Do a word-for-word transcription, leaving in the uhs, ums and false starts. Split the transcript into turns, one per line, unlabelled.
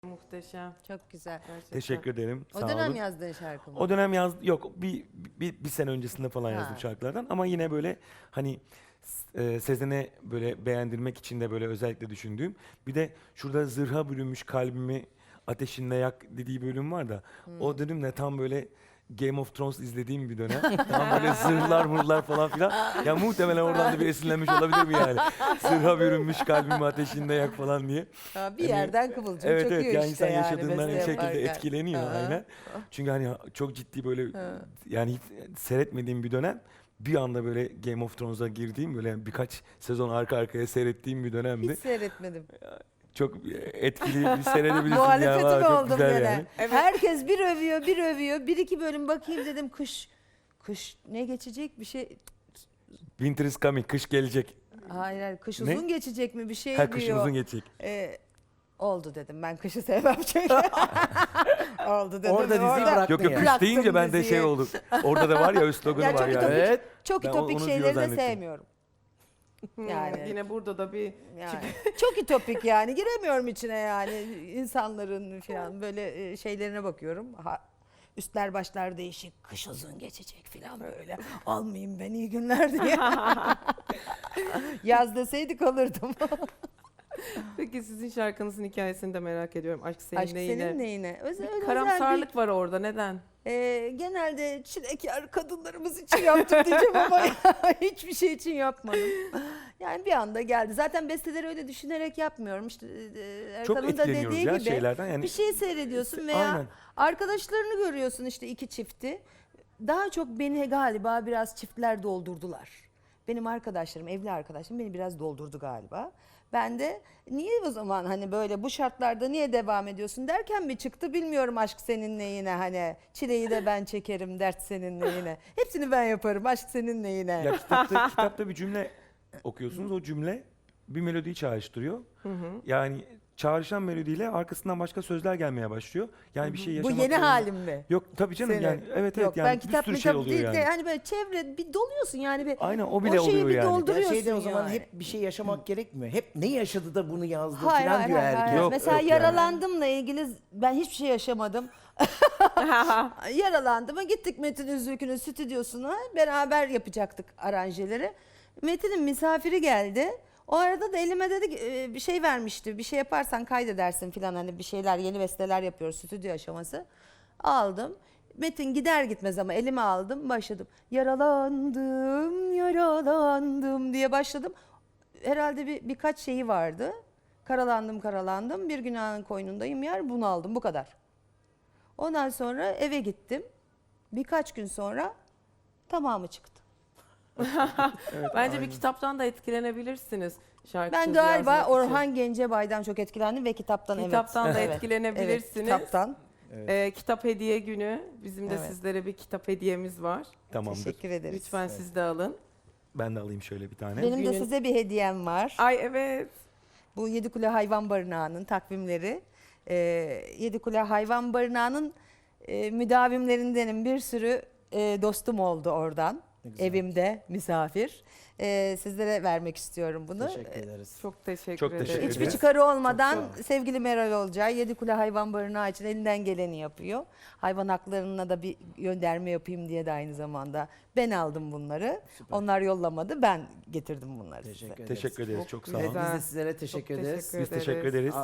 Muhteşem.
Çok güzel.
Gerçekten.
Teşekkür ederim.
O
Sağ
dönem
olun.
yazdığın şarkı mı?
O dönem yaz yok bir, bir bir sene öncesinde falan
Ha.
yazdım şarkılardan ama yine böyle hani e, Sezen'e böyle beğendirmek için de böyle özellikle düşündüğüm bir de şurada zırha bürünmüş kalbimi ateşinle yak dediği bölüm var da
Hmm.
o dönemde tam böyle Game of Thrones izlediğim bir dönem. Tam böyle zırhlar mırlar falan filan. Ya muhtemelen oradan da bir esinlenmiş olabilir mi yani? Zırha bürünmüş kalbimi ateşinde yak falan diye.
Ha, bir
Hani-
yerden kıvılcım
Evet
çakıyor
evet yani
işte
insan
yani
yaşadığından bir
beste
şekilde
yaparken.
etkileniyor
Ha.
aynen. Çünkü hani çok ciddi böyle
Ha.
yani hiç seyretmediğim bir dönem bir anda böyle Game of Thrones'a girdiğim böyle birkaç sezon arka arkaya seyrettiğim bir dönemdi.
Hiç seyretmedim.
Çok etkili bir seyredebilirsin ya.
Muhalefeti
Valla
mi
çok
oldum
güzel
gene?
yani.
Evet.
Herkes bir övüyor, bir övüyor. Bir iki bölüm bakayım dedim kış. Kış ne geçecek bir şey.
Winter is coming, kış gelecek.
Hayır hayır kış
Ne?
uzun geçecek mi bir şey
Her kışın
diyor.
uzun geçecek.
Ee, oldu dedim ben kışı sevmem çünkü. oldu dedim.
Orada diziyi bırak-
Yok yok
ya.
kış
Bıraktım
deyince ben de
diziyi.
şey oldu. Orada da var ya üst sloganı
Ya
var
çok
yani.
ütopik,
Evet.
çok
Ben
ütopik
onu diyor
şeyleri de
zannettim.
sevmiyorum.
Hmm,
Yani-
Yine burada da bir
Yani çok ütopik yani giremiyorum içine yani insanların falan böyle e, şeylerine bakıyorum. Ha, üstler başlar değişik, kış uzun geçecek falan böyle. Almayayım ben iyi günler diye. Yaz deseydik alırdım.
Peki sizin şarkınızın hikayesini de merak ediyorum. Aşk seninle
Aşk
yine.
senin neyine? Özel,
Bir
özel
karamsarlık var orada. Neden?
bir- e, genelde çilekar kadınlarımız için yaptım diyeceğim ama hiçbir şey için yapmadım. Yani bir anda geldi. Zaten besteleri öyle düşünerek yapmıyorum. İşte e,
Çok
Erkan'ın da
etkileniyoruz
dediği
ya
gibi.
şeylerden yani.
Bir şey seyrediyorsun veya
Aynen.
arkadaşlarını görüyorsun işte iki çifti. Daha çok beni galiba biraz çiftler doldurdular. Benim arkadaşlarım, evli arkadaşlarım beni biraz doldurdu galiba. Ben de niye o zaman hani böyle bu şartlarda niye devam ediyorsun derken mi çıktı bilmiyorum aşk seninle yine hani çileyi de ben çekerim dert seninle yine. Hepsini ben yaparım aşk seninle yine.
Ya kitapta, kitapta bir cümle okuyorsunuz. O cümle bir melodiyi çağrıştırıyor. Yani çağrışan melodiyle arkasından başka sözler gelmeye başlıyor. Yani bir şey
Bu
yaşamak
yeni
zorunda-
halim mi?
Yok tabii canım
Senin.
yani evet evet
Yok,
yani
ben
bir
kitap
sürü
kitap
şey oluyor
değil
yani.
de hani böyle çevre bir doluyorsun yani bir
Aynen o bile
o şeyi
oluyor
bir
yani.
doldur-
Ya
Duruyorsun
şeyde o zaman
yani.
hep bir şey yaşamak gerekmiyor. Hep ne yaşadı da bunu yazdı
Hayır,
falan
hayır,
diyor
hayır,
herkes.
hayır.
Yok,
Mesela
yok yani.
yaralandımla ilgili ben hiçbir şey yaşamadım. Yaralandım. Gittik Metin Üzülkü'nün stüdyosuna. Beraber yapacaktık aranjeleri. Metin'in misafiri geldi. O arada da elime dedi ki, e, bir şey vermişti. Bir şey yaparsan kaydedersin falan hani bir şeyler yeni besteler yapıyoruz stüdyo aşaması. Aldım. Metin gider gitmez ama elime aldım başladım. Yaralandım, yaralandım diye başladım. Herhalde bir birkaç şeyi vardı. Karalandım karalandım bir günahın koynundayım yer bunu aldım bu kadar. Ondan sonra eve gittim. Birkaç gün sonra tamamı çıktı.
Bence bir kitaptan da etkilenebilirsiniz. Şarkı
Ben
sözü
galiba
yazmak için.
Orhan Gencebay'dan çok etkilendim ve kitaptan,
Kitaptan
evet.
da
Evet.
etkilenebilirsiniz.
Evet, kitaptan.
Ee, kitap hediye günü. Bizim de
Evet.
sizlere bir kitap hediyemiz var.
Tamamdır.
Teşekkür ederiz.
Lütfen siz de alın.
Ben de alayım şöyle bir tane.
Benim de
Günün-
size bir hediyem var.
Ay evet.
Bu Yedikule Hayvan Barınağı'nın takvimleri. Ee, Yedikule Hayvan Barınağı'nın e, müdavimlerindenim. Bir sürü e, dostum oldu oradan.
güzel.
Evimde misafir. Ee, sizlere vermek istiyorum bunu.
Teşekkür ederiz.
Çok teşekkür
Çok
ederim.
teşekkür
Hiçbir
ederiz.
çıkarı olmadan
Çok sağ olun.
sevgili Meral Olcay Yedikule Hayvan Barınağı için elinden geleni yapıyor. Hayvan haklarına da bir gönderme yapayım diye de aynı zamanda ben aldım bunları.
Süper.
Onlar yollamadı ben getirdim bunları size.
Teşekkür ederiz.
Teşekkür ederiz. Çok sağ
güzel.
olun.
Biz de sizlere teşekkür
Çok
ederiz.
teşekkür
Biz teşekkür ederiz.